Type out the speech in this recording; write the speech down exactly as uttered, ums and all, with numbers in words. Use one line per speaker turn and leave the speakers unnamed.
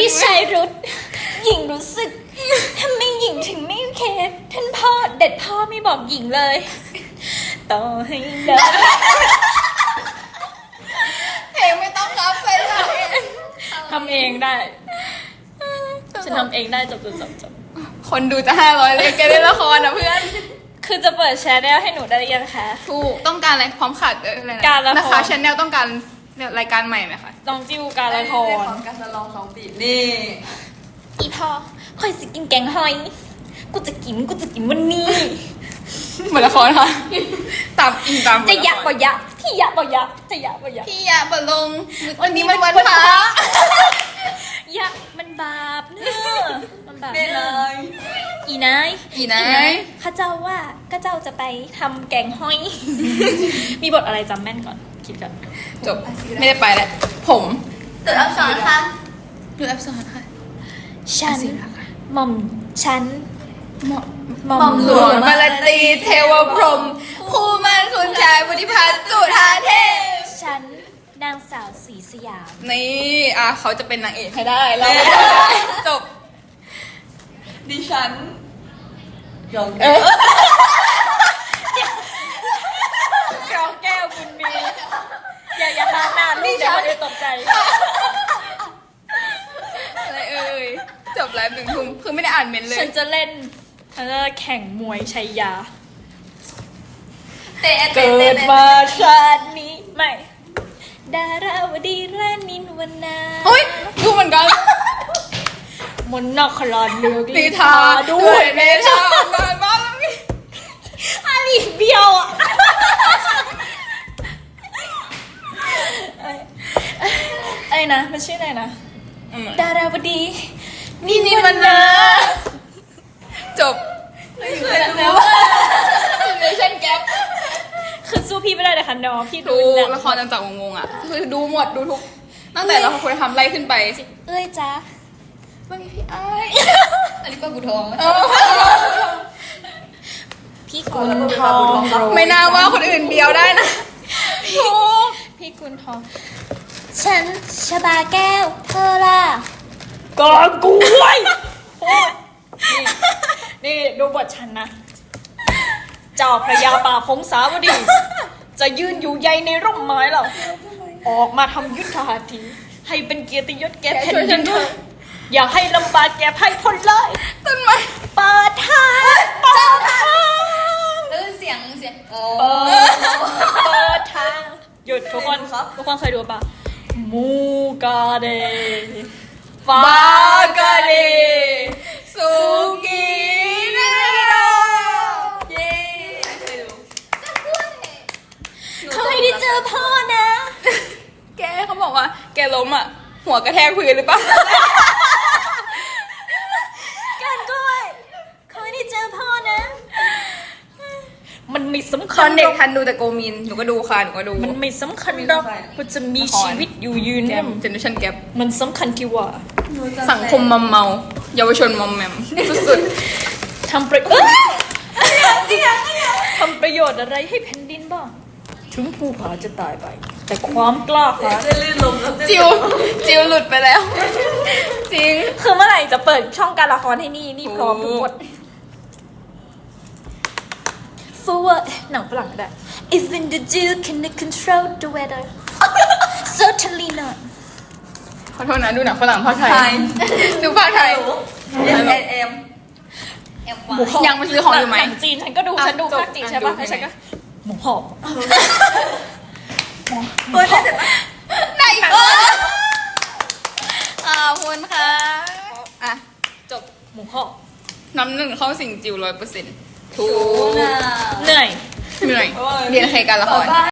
พี่ชายรุดหญิงรู้สึกทำไมหญิงถึงไม่โอเคท่านพ่อเด็ดพ่อไม่บอกหญิงเลยต่อให้เลิก
เพลงไม่ต้องรับไปเลย
ทำเองได้ฉันทำเองได้จบจบจบจบ
คนดูจะห้าร้อยเลยแกเล่นละครนะเพื่อน
คือจะเปิดแชร์ได้ให้หนูได้ยังคะ
ถูกต้องการอะไรพร้อมขาดเอออะไรนะ
การละคร
นะคะชแนลต้องการรายการใหม่ไหมคะ
น้องจิวการละคร
การจะลองสองปีนี่
อีพ่อคอยสิกินแกงหอยกูจะกินกูจะกินวันนี้
เหมือนละครค่ะตามอิงตาม
จะยักบ่ยักที่ยักบ่ยักจะยักบ่ยัก
พี่ยาบลงวันนี้มันวันพระ
ยักมันบาปเนอะมันบาป
เน่เล
เนอะ
ย
อีนาย
อีนะ
ข้าเจ้าว่าข้าเจ้าจะไปทำแกงหอย มีบทอะไรจำแม่นก่อนคิดก่อน
จบไม่ได้ไปแล้วผม
ตัวอักษรค่ะ
ดูแอปสอนค่ะ
ฉันหม่อมฉัน
หมอ
หม่อม
หลวงมาลาตีเทวพรหมคู่มันคุณชายบุธิพัฒน์จุฑาเทพ
ฉันนางสาวศรีสยาม
นี่อ่ะเขาจะเป็นนางเอกให้ได้แล้วจบ
ดิฉันยอง
เออ
กรองแก้วคุณมีอย่าอย่าพาหน้าลูกเดี๋ยวคนอื่นตกใจ
อะไรเอ่ยจบแล้วหนึ่งทุ่มคือไม่ได้อ่านเมนต์เล
ฉั
ย
นจะเล่นฉันจะแข่งมวยชัยยา
เตะเตะ
เกิ
เตะ
ดมาชาตินี้ไม่ ดาราวดีรานินวรรณา
เฮ้ยดูเหมือนกัน
มนต์นครเลือก
ลีทาด้วยเมชาบ้านบ้าน
อาลีเบียวอ่ะอะไรนะมันชื่ออะไรนะดาราวดี
นี่นี่มันนะจบ
เคยดู
เนชั่นแก๊ป
คือสู้พี่ไม่ได้เลยค่ะน้องพี่ดู
ดู
หนัง
ละครต่างๆงงๆอ่ะคือดูหมดดูทุกตั้งแต่เราคุณธรรมไล่ขึ้นไป
เอ้ยจ้า
ว่าไงพี่ไอ้
อันนี้ก็กูทอง
เออ
พี่กุลทอง
ไม่น่าว่าคนอื่นเบียวได้นะถูก
พี่กุลทอง ฉันชบาแก้วเธอล่ะกอกูไว้นี่นี่ดูบทฉันนะ เจ้าพระยาป่าพงสาวดี จะยืนอยู่ใยในร่มไม้เหรอออกมาทำยุทธหัตถีให้เป็นเกียรติยศแก่แผ่นดินเธออย่าให้ลำบากแก่ไพพลเลย
ต้นไม้
เปิดทางเปิดทาง
เออเสียงเสียงโอ้
เปิดเปิดทางหยุดทุกคนทุกคนเคยดูป่ะมูกาเดฟา
บากาเดสุกีนาโดเย้
เคยดู
เขาให้ได้เจอพ่อนะ
แกเขาบอกว่าแกล้มอ่ะ หัวกระแทกพื้นหรือเปล่า
กันก้อยเขาให้ได้เจอพ่อนะ มันไม่สำ
ต
คั
อ
ญ
นเด็
ห
ก
รอก
ทันดูแต่โกมิน หนูก็ดูค่ะ หนูก็ดู
มันไม่สำคัญหรอกว่าจะมีชีวิตอยู่ยืน
แก
เนี่ย
มเจเนอเรชั่นแกป
มันสำคัญที่ว่า
สังคมมอมเมา เยาวชนมอมแมมสุด
ทำประโยชน์ทำประโยชน์อะไรให้แผ่นดินบ้างถึงผู้ผาจะตายไป แต่ความกล้าหาญ
จะลื่นลมแล้ว
ๆจิว จิวหลุดไปแล้ว จริง
คือเมื่อไหร่จะเปิดช่องการละครให้นี่นี่พร้อมทุกบท forward หนังฝรั่งก็ได้ even the dew can control the weather certainly not
ขอโทษนะ ดูหนังฝรั่งภาคไทย ดูภาคไทย
เอ็มเอ็มเอ็มเอ็ม
หมูหอบ
ยังมาซื้อของอยู่ไหม
นังจีนฉันก็ดู
อ่ะ
ฉันดู
จบ
ภาคจีน
อ่ะ
ใช่ปะ
ดู
แล้วฉันก็หมูหอบ
เปิดได้แต่
ไหนเออขอบคุณค่ะ อ่ะ จบ
หมูหอบ
น้ำหนึ่งเข้าสิ่งจิวร้อยเปอร์เซ็นต์ถูก
น่ะ
เหนื่อย
เหนื่อย เรียนใครกันละคร